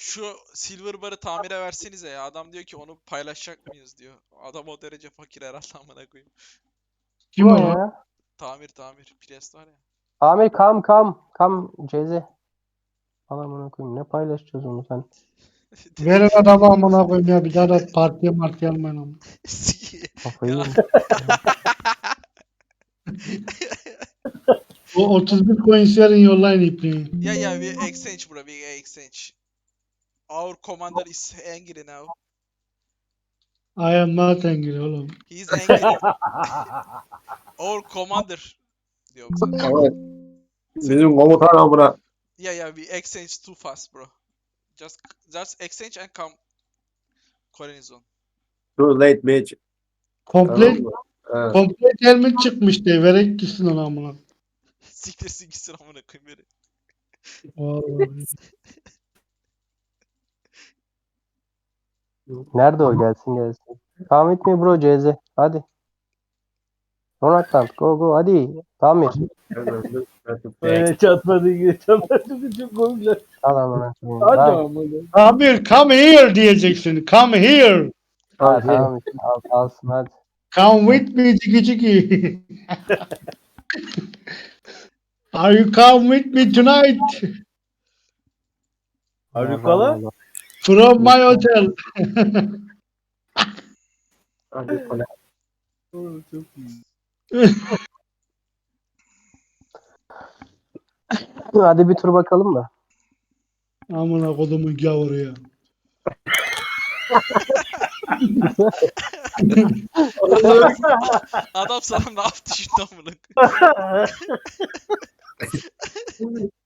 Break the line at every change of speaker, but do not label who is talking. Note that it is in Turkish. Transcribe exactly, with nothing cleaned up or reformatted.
Şu silver bar'ı tamire versenize ya. Adam diyor ki onu paylaşacak mıyız diyor. Adam o derece fakir herhalde amına koyayım.
Kim
Bu
o?
ya?
Tamir tamir. Priest var ya.
Amir kam kam kam Cezi. Aman koyayım ne paylaşacağız onu sen?
Verin adamı amına koyayım ya. Bir daha da partiye martiye almayın ama.
Kafayı
Ya.
yemiş.
O otuz bir coins verin yollayın ipliği.
Yeah, yeah, we exchange, bro. We exchange. Our commander is angry now.
I am not angry oğlum.
He is angry. Our commander diyorum zaten.
Evet. Bizim komutan amına.
Yeah, yeah, we exchange too fast, bro. Just, just exchange and come. Colony zone.
Too late bitch. Tamam
Komple,
mı? Evet.
komple helmet çıkmış diye. Verek gitsin ona amına.
Siktirsin gitsin amına koyayım beni.
Vallahi.
Nerede o gelsin gelsin. Come with me bro Cezi. Hadi. Donatland go go hadi. Tamir.
Öyle çatmadı gibi çatmadı çok komikler.
Al amına koyayım.
Hadi
Tamam.
ama.
Amir come here diyeceksin. Come here.
Ha, tamam işte al, alsın hadi.
Come with me ciki ciki. Are you come with me tonight?
Harikala.
From my hotel.
Hadi kole.
Çok iyi.
Hadi bir tur bakalım da.
Amına kodumun gavuru ya.
Adam sana ne yaptı şimdi amına koyayım?